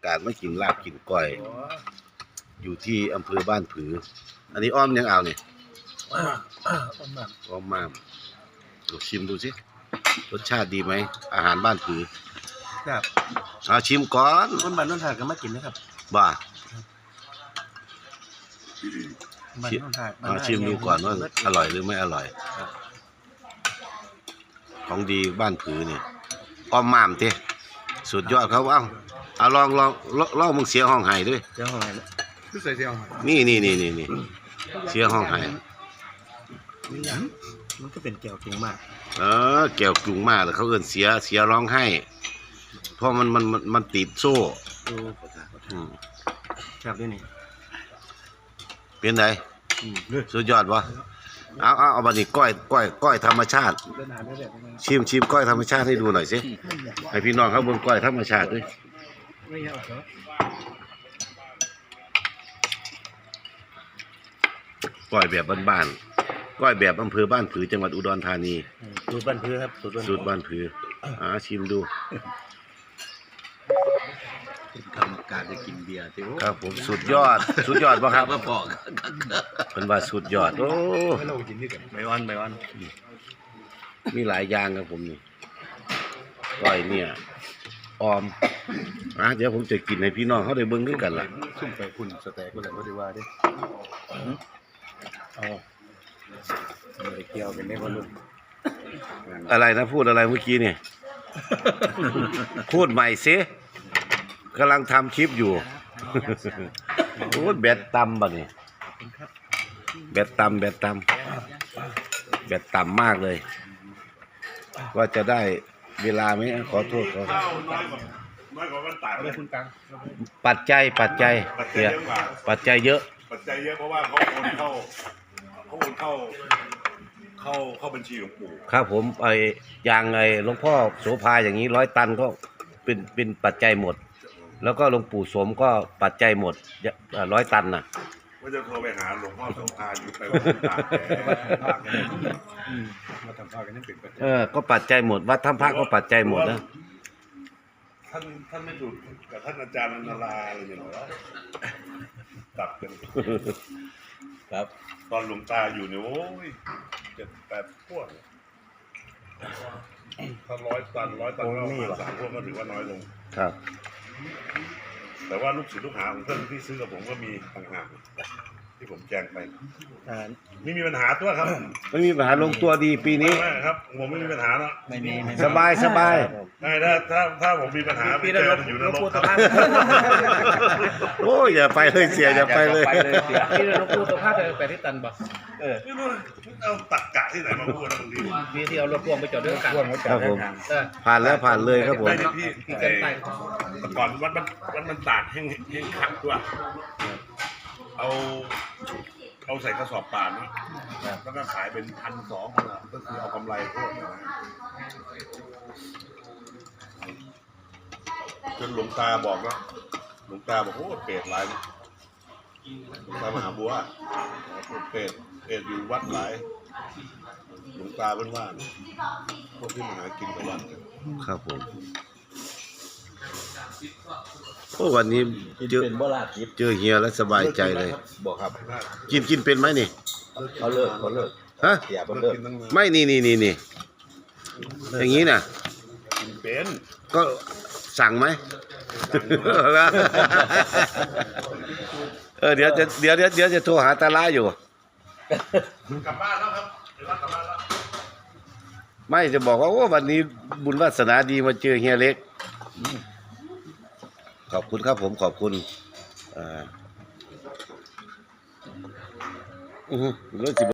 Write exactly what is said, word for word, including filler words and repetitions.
กาสมากินลาบกินก้อยอยู่ที่อำเภอบ้านผืออันนี้อ้อมยังเอาเนี่ยอ้อมมามลองชิมดูสิรสชาติดีไหมอาหารบ้านผือครับเอาชิมก่อนคนบ้านนนทาก็มากินนะครับบ้าบ้านนนทาเอาชิมดูก่อนว่าอร่อยหรือไม่อร่อยของดีบ้านผือนี่อ้อมมามเต้สุดยอดครับเอ้าเอาลองลองลองมึงเสียห้องไห้ด้วยเสียห้องไห้คือใส่เสียห้องไห้นี่นี่นี่นี่นี่เสียห้องไห้นี่ยังมันก็เป็นแก้วกรุงมากเออแก้วกรุงมากเลยเขาเอิ้นเสียเสียร้องไห้เพราะมันมันมันมันติดโซ่ครับด้วยนี่เป็นไงสุดยอดวะเอาเอาเอาบันนี้ก้อยก้อยก้อยธรรมชาติชิมชิมก้อยธรรมชาติให้ดูหน่อยสิให้พี่น้องเขาบนก้อยธรรมชาติด้วยก้อยแบบบ้านๆก้อยแบบอำเภอบ้านผือจังหวัดอุดรธานีสูตรบ้านผือครับสูตรบ้านผืออ่าชิมดูกรรมการจะกินเบียร์ครับผมสุดยอดสุดยอดป่ะครับมาบอกเป็นว่าสุดยอดโอ้ไม่วันไม่วันมีหลายอย่างครับผมนี่ก้อยเนี่ยออมอ่ะเดี๋ยวผมจะกินให้พี่น้องเขาได้เบิ่งด้วยกันล่ะซุ่มไปคุณสแต็กก็เลยไม่ได้ว่าดิเอาไม่เกี่ยวเป็นได้คนรุ่นอะไรนะพูดอะไรเมื่อกี้เนี่ยพูดใหม่สิกำลังทำคลิปอยู่โอ้แบตต่ำบ่เนี่ยแบตต่ำแบตต่ำแบตต่ำมากเลยว่าจะได้เวลาไหมขอโทษขอปัจจัยปัจจัยเยอะปัจจัยเยอะปัจจัยเยอะเพราะว่าเขาโอนเข้าเขาโอนเข้าเข้าเข้าบัญชีหลวงปู่ครับผมไอ้อย่างไอ้หลวงพ่อโสภาอย่างนี้ร้อยตันก็เป็นเป็นปัจจัยหมดแล้วก็หลวงปู่สมก็ปัจจัยหมดร้อยตันน่ะว่าจะโทรไปหาหลวงพ่อโสภาอยู่ไปวัดตากมาทำภาคกันนั่นเป็นปัจจัยเออก็ปัจจัยหมดวัดถ้ำพระก็ปัจจัยหมดนะท่านท่านไม่ถูกกับท่านอาจารย์นาราอะไรอย่างเงี้ยตัดกันครับตอนหลวงตาอยู่เนี่ยโอ้ยเจ็ดแปดพวกถ้าร้อยตันร้อยตันก็ประมาณสามพวกก็ถือว่าน้อยลงครับแต่ว่าลูกศิษย์ลูกหาของเพื่อนที่ซื้อกับผมก็มีต่างหากที่ผมแจ้งไปไม่มีปัญหาตัวครับไม่มีปัญหาลงตัวดีปีนี้ไม่ครับผมไม่มีปัญหาเนาะไม่มีสบายสบายไม่ถ้าถ้าถ้าผมมีปัญหาพี่จะอยู่ในโลกโอ้ยอย่าไปเลยเสียอย่าไปเลยพี่เราพูดสภาพไปที่ตันบ่เออเอาตักกะที่ไหนมาพูดนะบางทีพี่ที่เอารถพ่วงไปจอดด้วยกันครับผมผ่านแล้วผ่านเลยครับผมพี่เกินไปก่อนวัดมันวัดมันตากแห้งแห้งคักตัวเอาเอาใส่กระสอบป่านนะแล้วก็ขายเป็นพันสองก็คือเอากำไรพวกนะจนหลวงตาบอกว่าหลวงตาบอกโอ้เปรตหลายหลวงตามหาบัวเปรตเปรตอยู่วัดหลายหลวงตาเป็นว่าพวกที่มาหากินกับวัดครับผมโอ้วันนี้เจอเจอเฮียแล้วสบายใจเลยบอกครับกินกินเป็นไหมนี่เขาเลิกเขาเลิกฮะไม่นี่นี่นี่นี่อย่างนี้น่ะกินเป็นก็สั่งไหมเออเดี๋ยวจะเดี๋ยวเดี๋ยวเดี๋ยวจะโทรหาตาล่าอยู่กลับบ้านแล้วครับเดี๋ยวกลับบ้านแล้วไม่จะบอกว่าโอ้วันนี้บุญวาสนาดีมาเจอเฮียเล็กขอบคุณครับผมขอบคุณอ่าอือรถสิ